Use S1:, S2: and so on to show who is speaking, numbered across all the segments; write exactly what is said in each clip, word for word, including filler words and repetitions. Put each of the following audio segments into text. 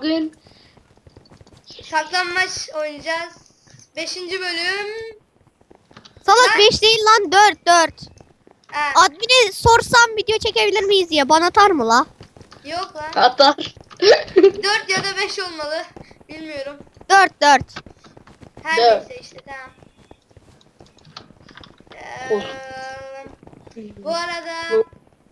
S1: bugün
S2: saklanmaç oynayacağız. Beşinci bölüm.
S3: Salak
S2: Ben-
S3: beş değil lan dört dört.
S2: Ha,
S3: Admin'e sorsam video çekebilir miyiz diye bana atar mı la?
S2: yok lan.
S1: atar.
S2: Dört ya da beş olmalı. Bilmiyorum.
S3: dört dört.
S2: Her
S1: Dört.
S2: neyse işte tamam.
S1: Of.
S2: Ee, bu arada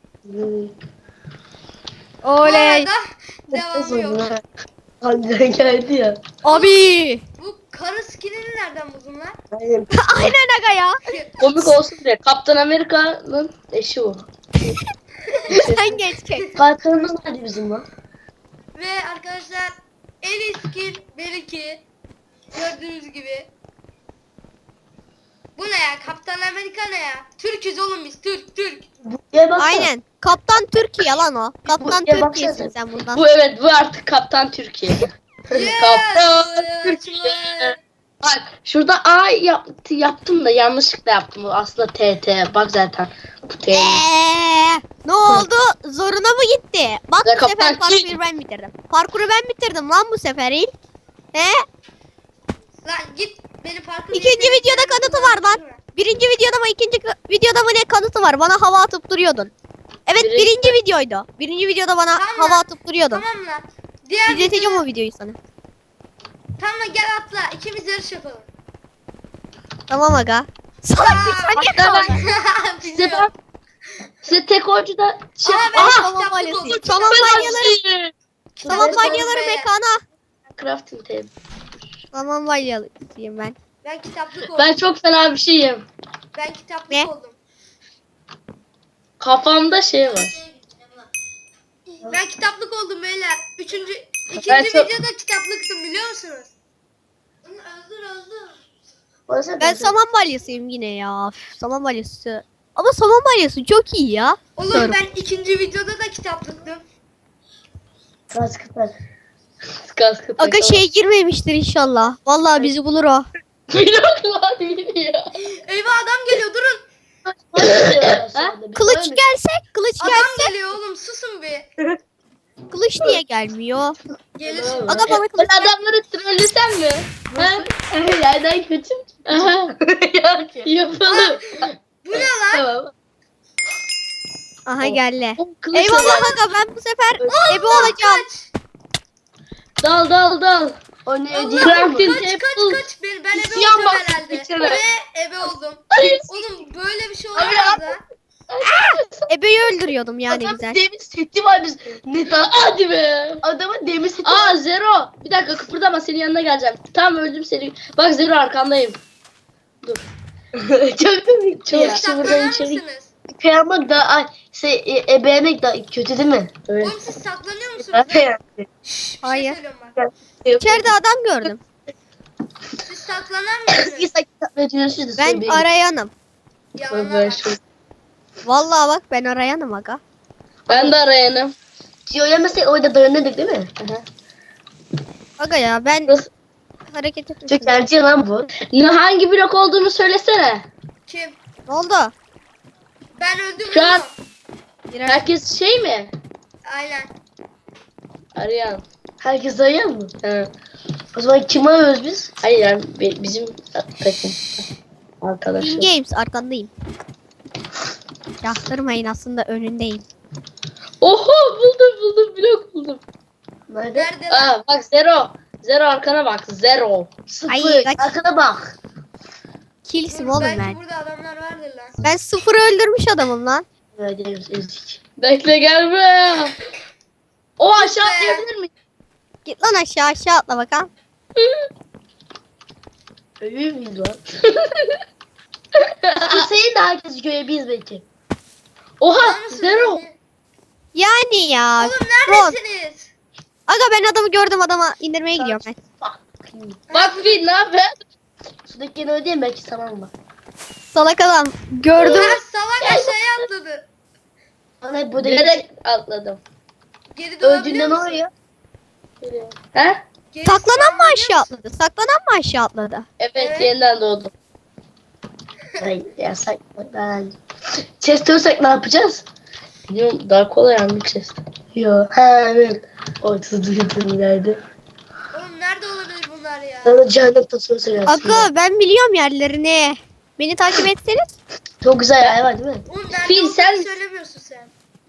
S2: bu
S3: Oley.
S2: arada devamı yok.
S4: Hande geldi ya.
S3: Abi.
S2: Bu karı skinini nereden buldun lan?
S4: Aynen.
S3: Aynen aga ya.
S1: Komik olsun diye. Kaptan Amerika'nın eşi o.
S3: Sen geç çek.
S4: Kalkanımız nerede bizim lan?
S2: Ve arkadaşlar en iyi skin belki gördüğünüz gibi. Bu ne ya? Kaptan Amerika ne ya? Türk'üz oğlum biz. Türk, Türk.
S4: Buraya baksana.
S3: Aynen. Kaptan Türkiye lan o. Kaptan
S4: Ya baksana
S3: Türkiye'sin
S4: sen.
S3: sen bundan.
S1: Bu evet bu artık Kaptan Türkiye. Kaptan Türkiye. Bak şurada A yaptı, yaptım da yanlışlıkla yaptım. Bu aslında T T. Bak zaten. Bu T.
S3: Eee, ne oldu? Zoruna mı gitti? Bak
S1: Ya
S3: bu sefer
S1: kaptan
S3: parkuru
S1: kim?
S3: ben bitirdim. Parkuru ben bitirdim lan bu sefer il. He?
S2: Lan git beni parkur
S3: İkinci videoda kanıtı var lan. Birinci videoda mı ikinci videoda mı ne kanıtı var? Bana hava atıp duruyordun. Evet
S1: Birinci-
S3: birinci videoydu. Birinci videoda bana
S2: Tamam
S3: hava
S2: lan.
S3: atıp duruyordun.
S2: Tamam lan. Diğer
S3: İzleteceğim
S2: videoda-
S3: o videoyu sana.
S2: Tamam lan, gel atla. İkimiz yarış yapalım.
S3: Tamam aga. Salak sen niye
S1: Hatta ben-
S3: kaldın?
S1: Size ben size tek oyuncuda şey
S2: Aa, ben
S1: Aha!
S2: kitaplık
S3: Tamam
S2: oldum.
S3: balyası.
S2: Kitaplık
S3: Tamam
S2: oldum.
S3: balyaları. Tamam
S2: Kitaplık
S3: balyaları
S2: oldum be.
S3: mekana.
S1: Crafting table.
S3: Tamam balyalıyım ben.
S2: Ben kitaplık oldum.
S1: Ben çok fena bir şeyim.
S2: Ben kitaplık
S3: Ne?
S2: oldum.
S1: Kafamda şey var.
S2: Ben kitaplık oldum beyler. Üçüncü, ikinci
S1: Ben çok-
S2: videoda kitaplıktım biliyor musunuz? Öldür öldür.
S4: Orası
S3: Ben saman balyasıyım yine ya. Üf, saman balyası. Ama saman balyası çok iyi ya.
S2: Oğlum
S3: Doğru.
S2: ben ikinci videoda da kitaplıktım.
S4: Kaskılar.
S1: Kaskı
S3: Aga şey girmemiştir inşallah. Vallahi bizi bulur o.
S1: Yok lan biliyor.
S2: Eyvah adam geliyor durun.
S3: Kılıç gelsek, kılıç
S2: Adam
S3: gelse.
S2: geliyor oğlum susun bir.
S3: Kılıç niye gelmiyor?
S2: Gelir şimdi.
S3: Aga bana
S1: Ben
S3: kılıç gel.
S1: adamları trollesem mi? Ha?
S4: Yerden kötü mü?
S1: Aha. Yapalım.
S2: Bu ne lan?
S1: Tamam.
S3: Aha geldi.
S1: O kılıçla
S3: Eyvallah
S1: gel.
S3: aga ben bu sefer ebe olacağım.
S2: Kaç.
S1: Dal dal dal.
S4: O ne
S2: Allah,
S4: ödeyeyim
S1: Crafting
S2: kaç kaç
S1: table.
S2: kaç. Ben, ben ebe
S1: İsyan
S2: olacağım
S1: bastı
S2: herhalde.
S1: içine.
S2: Ve ebe oldum.
S1: Hayır.
S2: Oğlum böyle bir şey
S1: Abi,
S2: olamaz ha.
S3: Ebeyi öldürüyordum yani
S4: Adam
S3: güzel.
S4: demir seti var biz. Ne tan?
S1: Hadi be.
S4: Adamın demir seti
S1: Aa
S4: var.
S1: Zero. Bir dakika kıpırdama senin yanına geleceğim. Tamam öldüm seni. Bak Zero arkandayım.
S4: Çok komik
S1: Çok
S4: ya.
S1: Şimdi buradan
S2: Saklanır
S1: içeri-
S2: mısınız?
S4: Kıyamak da ay, şey, e, ebeğemek da kötü değil mi?
S1: Evet.
S2: Oğlum siz saklanıyor musunuz?
S4: Ben de yani.
S2: Şşş, bir
S3: Hayır.
S2: şey söylüyorum bak.
S3: İçeride adam gördüm.
S2: Siz saklanan
S4: Eski
S2: mısınız?
S4: sakit yapıyorsunuz.
S3: Ben arayanım.
S2: Yalanlar
S1: Ben,
S2: bak.
S1: şu-
S3: Vallahi bak ben arayanım aga.
S1: ben de arayanım.
S4: Yemesek orada dayanırdık değil mi?
S3: Aga ya ben
S1: Burası-
S3: hareket etmişim.
S4: Çok erci lan bu.
S1: Ne hangi blok olduğunu söylesene.
S2: Kim?
S3: Ne oldu?
S2: Ben öldüm
S1: Şu an-
S2: oğlum.
S3: Birer-
S1: Herkes şey mi?
S2: Aynen.
S1: Arayan.
S4: Herkes dayan mı?
S1: Ha.
S4: O zaman kim arıyoruz biz?
S1: Hayır yani bi- bizim takım.
S3: In
S1: Arkadaşlar.
S3: Games arkandayım. Yaktırmayın aslında önündeyim.
S1: Oho buldum buldum blok buldum.
S4: Nerede?
S2: Nerede lan?
S1: Aa bak Zero. Zero arkana bak. Zero.
S4: Sıfır.
S3: Ay, kaç-
S4: Arkana bak.
S3: Killsim
S2: Dur,
S3: oğlum
S2: belki
S3: ben.
S2: burada adamlar vardır lan.
S3: Ben sıfırı öldürmüş adamım lan.
S4: Öyle ezik.
S1: Bekle gelme. O aşağı
S2: Be.
S1: atlayabilir mi?
S3: Git lan aşağı aşağı atla bakalım.
S4: Ölüyor muyuz lan? Hüseyin de herkes görebiliriz belki.
S1: Oha
S2: Var mısın
S1: Zero.
S2: beni?
S3: Yani ya.
S2: Oğlum
S3: Rod.
S2: neredesiniz?
S3: Aga ben adamı gördüm adama indirmeye gidiyorum ben.
S4: Bak.
S1: Bak bir ne yapıyor?
S4: Şuradaki yine ödeyeyim belki tamam mı?
S3: Salak adam gördüm.
S2: Ha, salak aşağıya atladı.
S4: Bana hep burada
S1: Direkt atladım.
S2: Geri dönebiliyor
S4: öldüğünde ne
S2: musun?
S4: oluyor?
S1: He?
S2: Geri
S3: Saklanan mı
S2: dönebiliyor
S3: aşağı
S2: musun?
S3: atladı? Saklanan mı aşağı atladı?
S1: Evet,
S2: Evet.
S1: yeniden doğdum.
S4: Ay yasak. Ben. Chest olsak ne yapacağız?
S1: Biliyorum daha kolay anlayacağız.
S4: Yo. Ha evet. Ortada duydum ileride.
S2: Oğlum nerede olabilir bunlar ya?
S4: Sana cehennem tasını söylersin.
S3: Aga ben biliyorum yerlerini. Beni takip etseniz.
S4: Çok güzel yer var değil mi?
S2: Oğlum nerede
S1: Fil,
S2: olduğunu
S1: sen-
S2: söylemiyorsun sen.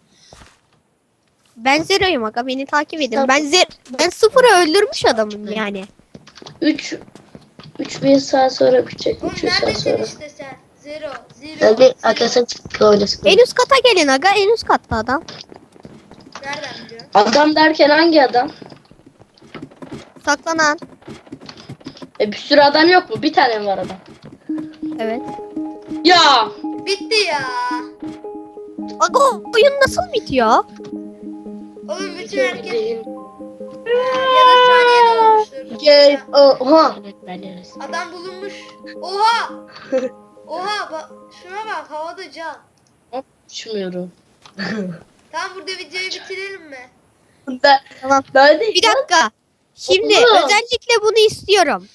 S3: Ben Zero'yum aga beni takip edin. Ben zer ben sıfırı öldürmüş adamım yani.
S1: üç üç bin saat sonra bitecek.
S2: Oğlum
S1: üç yüz saat
S2: neredesin
S1: sonra.
S2: işte sen? Zero. Zero.
S4: Ben de
S2: zero.
S4: arkadaşlar çıktı oynasın.
S3: En üst kata gelin aga en üst katta adam.
S2: Nereden biliyorsun?
S1: Adam derken hangi adam?
S3: Saklanan.
S1: E bir sürü adam yok mu? Bir tane mi var adam?
S3: Evet.
S1: Ya!
S2: Bitti ya.
S3: Aga o oyun nasıl bitiyor?
S2: Oğlum bütün
S1: Bitiyor
S2: herkes
S1: değil.
S2: ya da saniyede olmuştur.
S4: Gel. Oha.
S2: Adam bulunmuş. Oha. Oha bak şuna bak havada can.
S1: Uçmuyorum.
S2: Tamam burada videoyu bitirelim mi?
S4: Ben,
S3: Tamam.
S4: ben de
S3: Bir dakika. Şimdi
S4: Oğlum.
S3: özellikle bunu istiyorum.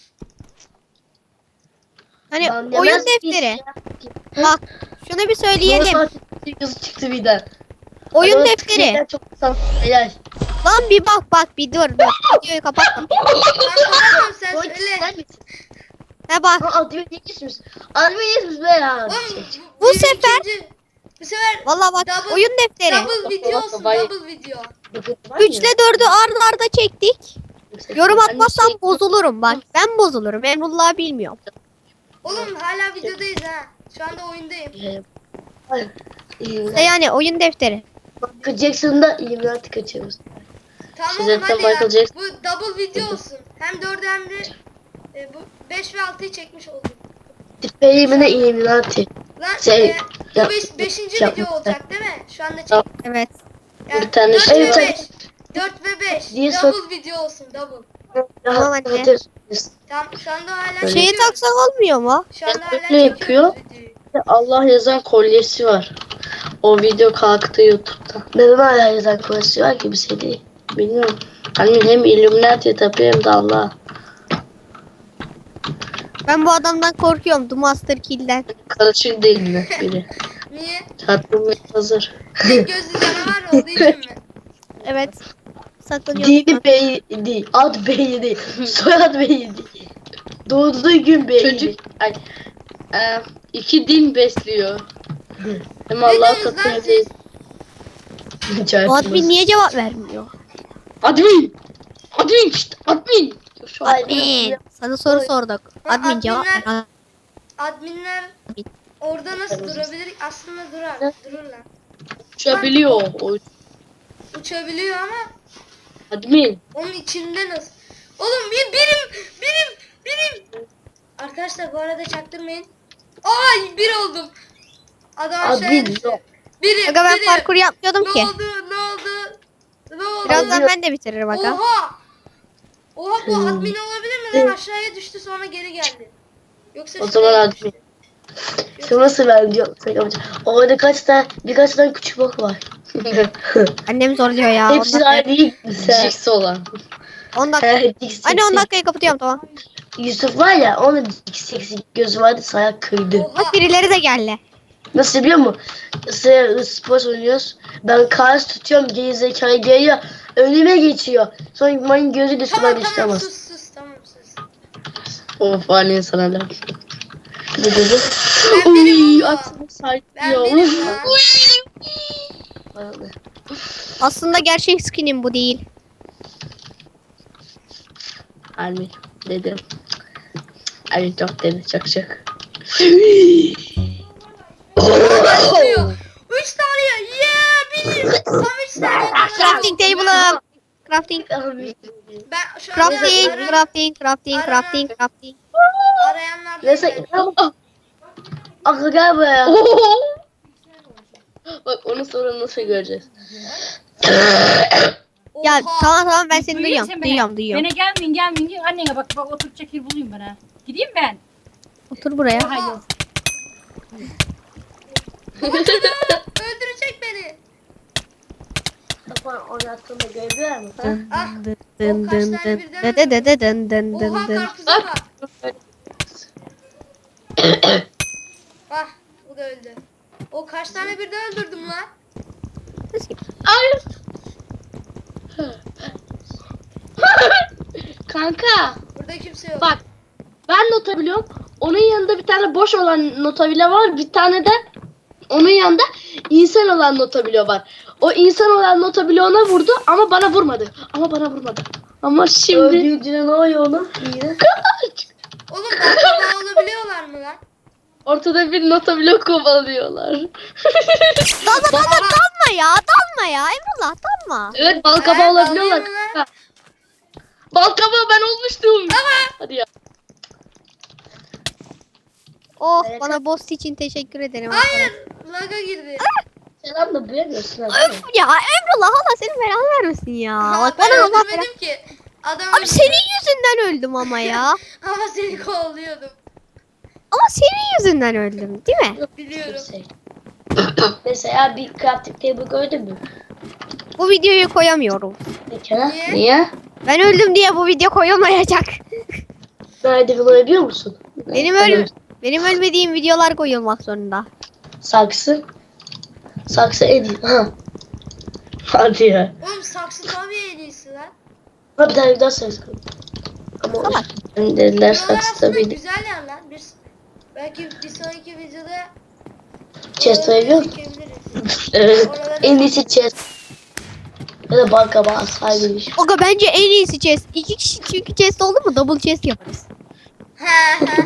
S3: Hani
S4: Ben
S3: oyun
S4: yemez
S3: defteri.
S4: miyiz
S3: Bak şunu bir söyleyelim.
S4: Yazı çıktı birden.
S3: Oyun
S4: Adamın
S3: defteri.
S4: tıklayınca Çok sağ. Helal.
S3: Lan bir bak bak bir dur dur. Videoyu kapatma.
S2: Ben kapatamam sen
S4: Oy,
S2: söyle.
S4: sen misin?
S3: He bak.
S4: Ha admin yetişmiş. Admin yetişmiş be ya.
S2: Oğlum
S3: Bu
S2: bir
S3: sefer-
S2: ikinci- bu sefer
S3: Valla bak
S2: Double-
S3: oyun defteri.
S2: double video olsun
S1: Vay.
S2: double video.
S3: Üçle dördü arda arda çektik. Yorum
S1: Hani
S3: atmazsam
S1: şey-
S3: bozulurum bak. Ben bozulurum. Emrullah bilmiyorum.
S2: Oğlum hala videodayız ha. Şu anda oyundayım.
S3: İşte yani oyun defteri.
S4: Michael Jackson'da Illuminati kaçıyoruz.
S2: Tamam
S1: Siz
S2: oğlum
S1: zaten
S2: hadi ya.
S1: Michael Jackson-
S2: Bu double video olsun. Hem dördü hem de e, bu beş ve altıyı çekmiş olduk.
S4: Tipeyimine Illuminati.
S2: Lan
S4: Şey,
S2: e, bu
S4: yap-
S2: beş, beşinci
S4: yap-
S2: video olacak değil mi? Şu anda çek.
S1: Yap.
S3: Evet.
S2: Yani
S1: Bir tane
S2: dört
S1: şey
S2: ve
S4: var.
S2: beş. dört ve beş.
S4: Diye
S2: Double video olsun double.
S3: Tamam
S4: Rahat
S3: anne.
S4: rahat yazıyoruz.
S2: Tamam şu anda hala
S1: Öyle.
S3: Şeyi
S2: çekiyoruz.
S3: taksak olmuyor mu?
S2: Şu anda hala
S1: Öyle
S2: çekiyoruz
S1: yapıyor.
S2: videoyu.
S1: Allah yazan kolyesi var. O video kalktı YouTube'da.
S4: Benim hala yazan konusu var ki bir şey değil.
S1: Bilmiyorum. Hani hem Illuminati tapıyor hem de Allah.
S3: Ben bu adamdan korkuyorum. The Master Kill'den.
S1: Karışık değil mi biri?
S2: Niye?
S1: Çarpılmaya hazır.
S2: Tek gözlü canavar olduğu için mi?
S3: Evet. Saklanıyorum.
S4: Dini bey değil. Ad bey değil. Soyad bey değil. Doğduğu gün bey
S1: Çocuk
S4: değil.
S1: ay, e, iki din besliyor. Hem
S2: Ne
S1: Allah
S2: diyorsunuz lan
S1: katıyor.
S2: siz?
S3: Bu admin niye cevap vermiyor?
S1: Admin! Admin! Şşt, admin! Şu an
S3: Admin. Sana soru sorduk.
S2: Ha,
S3: Admin cevap ver.
S2: adminler- Adminler orada nasıl durabilir? Aslında durar. Dururlar.
S1: uçabiliyor. O
S2: Uçabiliyor ama
S1: admin.
S2: onun içinde nasıl? Oğlum bir birim birim birim. Arkadaşlar bu arada çaktırmayın. Ay bir oldum. Adam aşağıya
S4: Admin
S2: düştü.
S4: yok.
S2: Birim
S3: Aga ben
S2: birim.
S3: parkur yapmıyordum
S2: Ne
S3: ki.
S2: oldu? Ne oldu? Ne oldu?
S3: Birazdan ben de bitiririm aga.
S2: Oha! Oha bu
S4: Hmm.
S2: admin olabilir mi lan? Aşağıya düştü sonra geri geldi. Yoksa
S1: O
S2: şuraya
S1: zaman
S2: düştü.
S1: admin.
S4: Şu nasıl ben diyorum. Orada kaç tane birkaç tane küçük bok var.
S3: Annem zorluyor ya. on
S4: Hepsi
S3: dakika.
S4: aynı değil mi sen?
S1: Jigsaw olan.
S3: on dakika.
S4: He, dik
S3: Anne on
S4: seksi.
S3: dakikayı kapatıyorum tamam.
S4: Yusuf var ya onun dik seksi gözü vardı saya kırdı.
S2: Oha!
S3: Bak birileri de geldi.
S4: Nasıl biliyor musun? Mesela spor oynuyoruz. Ben kars tutuyorum geri zekayı geliyor. Önüme geçiyor. Sonra benim gözü de sudan
S2: Tamam
S4: düştü
S2: tamam
S4: ama.
S2: sus sus tamam sus.
S1: Of anne sana laf.
S4: Ne dedi?
S2: Ben birim
S1: Uy
S2: baba.
S1: aklım
S2: Ben
S1: saklıyor.
S2: birim ya.
S3: Aslında gerçek skinim bu değil.
S1: Anne dedim. Ay çok dedi çok çok.
S2: Başlıyor. Üç tane ya. Yeah birim. Tam üç tane.
S3: Crafting table'ım. Crafting.
S2: Ben şu an
S3: Crafting,
S2: ara-
S3: crafting, crafting, crafting, crafting.
S2: arayanlar.
S4: Neyse. Aklı gel buraya.
S1: Bak onu sonra nasıl göreceğiz?
S3: Ya
S2: Oha.
S3: tamam tamam ben seni
S5: Duyuyor
S3: duyuyorum.
S5: musun beni?
S3: Duyuyorum duyuyorum.
S5: Bana gelmeyin gelmeyin diyor. Annene bak bak oturacak yer bulayım bana. Gideyim ben.
S3: Otur buraya.
S5: Hayır.
S2: Öldürecek beni.
S4: Kapan oynattığında görebiliyor musun?
S2: Ah.
S3: Dın
S2: O kaç
S3: dın
S2: tane
S3: dın
S2: birden
S3: dın dın dın dın dın
S2: Oha
S3: dın.
S2: karpuza bak. Ah bu da öldü. O kaç tane birden öldürdüm lan?
S1: Hayır. Kanka
S2: Burada kimse yok.
S1: bak ben nota biliyorum. Onun yanında bir tane boş olan nota bile var. Bir tane de onun yanında insan olan nota bile var. O insan olan nota bile ona vurdu ama bana vurmadı. Ama bana vurmadı. Ama şimdi
S4: Öldüğünde ne oluyor oğlum? Yine.
S2: Oğlum balkabağı olabiliyorlar mı lan?
S1: ortada bir nota bile kovalıyorlar.
S3: Dalma dalma dalma ya dalma ya Emrullah dalma.
S1: Evet bal kabağı
S2: Evet,
S1: olabiliyorlar.
S2: alıyorlar.
S1: kanka. Bal kabağı ben olmuştum. Hadi ya.
S3: Oh
S4: Evet.
S3: bana boss için teşekkür ederim.
S2: Hayır. Laga girdi.
S4: Selam da duyamıyorsun abi.
S3: Öf ya Emrullah Allah senin belanı vermesin ya. Bak
S2: ben
S3: bana Allah belanı.
S2: öldürmedim ki. Adam
S3: Abi senin yüzünden öldüm ama ya.
S2: Ama seni kovalıyordum.
S3: Ama senin yüzünden öldüm değil mi?
S2: Biliyorum.
S4: Şey. Mesela bir crafting table gördün mü?
S3: Bu videoyu koyamıyorum.
S4: Ne Kenan?
S2: Niye?
S1: Niye?
S3: Ben öldüm diye bu video koyulmayacak.
S4: Nerede bulabiliyor musun?
S3: Benim öl benim ölmediğim videolar koyulmak zorunda.
S4: Saksı. Saksı en iyi. Ha. Hadi ya.
S2: Oğlum saksı tabii en iyisi lan.
S4: Ha bir tane daha saksı. Ama
S3: Salak.
S4: o dediler
S2: Buralar
S4: saksı
S2: aslında
S4: tabii.
S2: güzel yer lan. Biz belki bir sonraki videoda
S4: Chest
S2: oraları
S4: koyuyor musun?
S2: çekebiliriz.
S4: Evet.
S2: Oraları-
S4: En iyisi chest. Ya da banka bağırsaymış.
S3: Oga bence en iyisi chest. İki kişi çünkü chest oldu mu double chest yaparız.
S2: He he.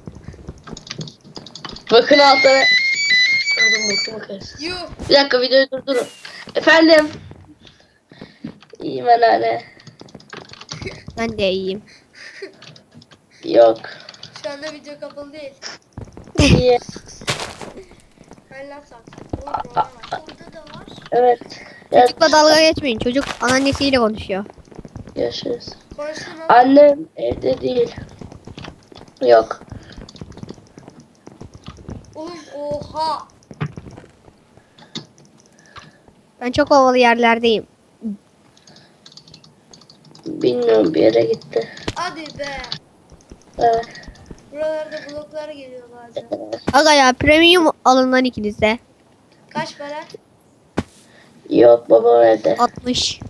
S1: Bakın altına.
S4: Oğlum bakın bakarız.
S2: Yuh.
S1: Bir dakika videoyu durdurun. Efendim. İyiyim anneanne.
S3: Ben de iyiyim.
S1: Yok.
S2: Şu anda video kapalı değil.
S1: İyi.
S2: Ver lan saksı. Oğlum oradan var. Burada da var.
S1: Evet. Evet.
S3: Çocukla dalga geçmeyin. Çocuk anneannesiyle konuşuyor.
S1: Görüşürüz.
S2: Konuştum ama.
S1: Annem evde değil. Yok.
S2: Oğlum oha.
S3: Ben çok havalı yerlerdeyim.
S1: Bilmiyorum bir yere gitti.
S2: Hadi be.
S1: Evet.
S2: Buralarda bloklar geliyor bazen.
S3: Aga ya premium alın lan ikiniz de.
S2: Kaç para?
S1: Yok babam evde.
S3: altmış.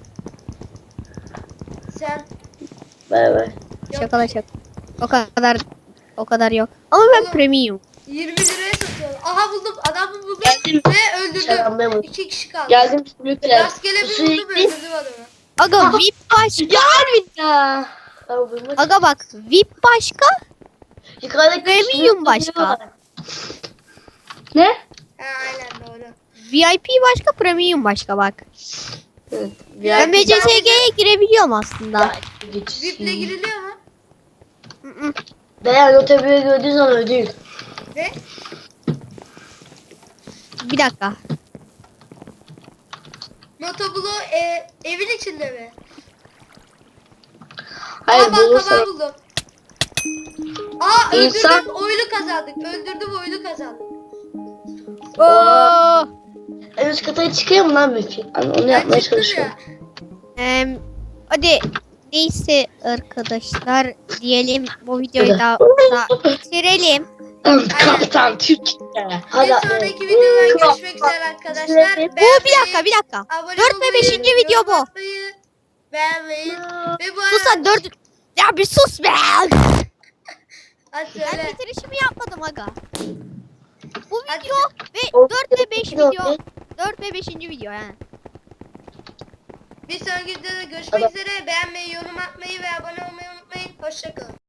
S2: Sen
S1: Bay bay.
S2: yok.
S3: Şakala şak. O kadar o kadar yok. Ama ben
S2: Oğlum.
S3: premium.
S2: yirmi liraya satıyorlar. Aha buldum. Adamı buldum.
S1: Geldim.
S2: Ve öldürdüm.
S4: Selam Memo.
S2: İki kişi kaldı.
S1: Geldim sümükler.
S2: Rastgele bir
S1: Sürekli-
S2: buldum öldürdüm adamı.
S3: Aga V I P başka.
S1: Ya harbi ya.
S4: Ama bulmak
S3: Aga bak V I P başka.
S4: yukarıdaki
S3: Premium
S4: şunu
S3: başka.
S4: tutuyorlar.
S1: Ne?
S2: Ha aynen doğru.
S3: V I P başka premium başka bak.
S1: Evet.
S3: Ben B C S G'ye girebiliyorum aslında.
S4: Geç.
S2: V I P'le giriliyor mu?
S3: Hı hı.
S4: Beğen o tepeyi gördüğün zaman ödül.
S2: Ne?
S3: Bir dakika.
S2: Notoblo e, evin içinde mi?
S1: Hayır
S2: Aa bak
S1: bulursan.
S2: kabağı buldum. Aa öldürdüm
S1: İnsan-
S2: oyunu kazandık. Öldürdüm oyunu kazandık.
S3: Oo.
S4: En üst kata çıkıyor mu lan peki?
S1: Hani onu
S2: Ben
S1: yapmaya
S2: çıktım
S1: çalışıyorum.
S2: ya.
S3: Em, hadi neyse arkadaşlar diyelim bu videoyu da, da bitirelim.
S1: Kaptan Türkiye.
S4: Hadi.
S2: Bir sonraki videoda görüşmek üzere arkadaşlar.
S3: Bu bir dakika bir dakika.
S2: Abone
S3: Dört ve
S2: olmayı,
S3: beşinci video
S2: yorum
S3: bu.
S2: atmayı, beğenmeyi ve bu
S3: Sus
S2: arada
S3: lan dört. Ya bir sus be.
S2: hadi
S3: Ben
S2: söyle.
S3: bitirişimi yapmadım aga. Bu
S2: Hadi.
S3: video ve
S4: O-
S3: dört ve beş
S4: video-
S3: video. dört ve beşinci video yani.
S2: Bir sonraki videoda görüşmek üzere. Beğenmeyi, yorum atmayı ve abone olmayı unutmayın. Hoşçakalın.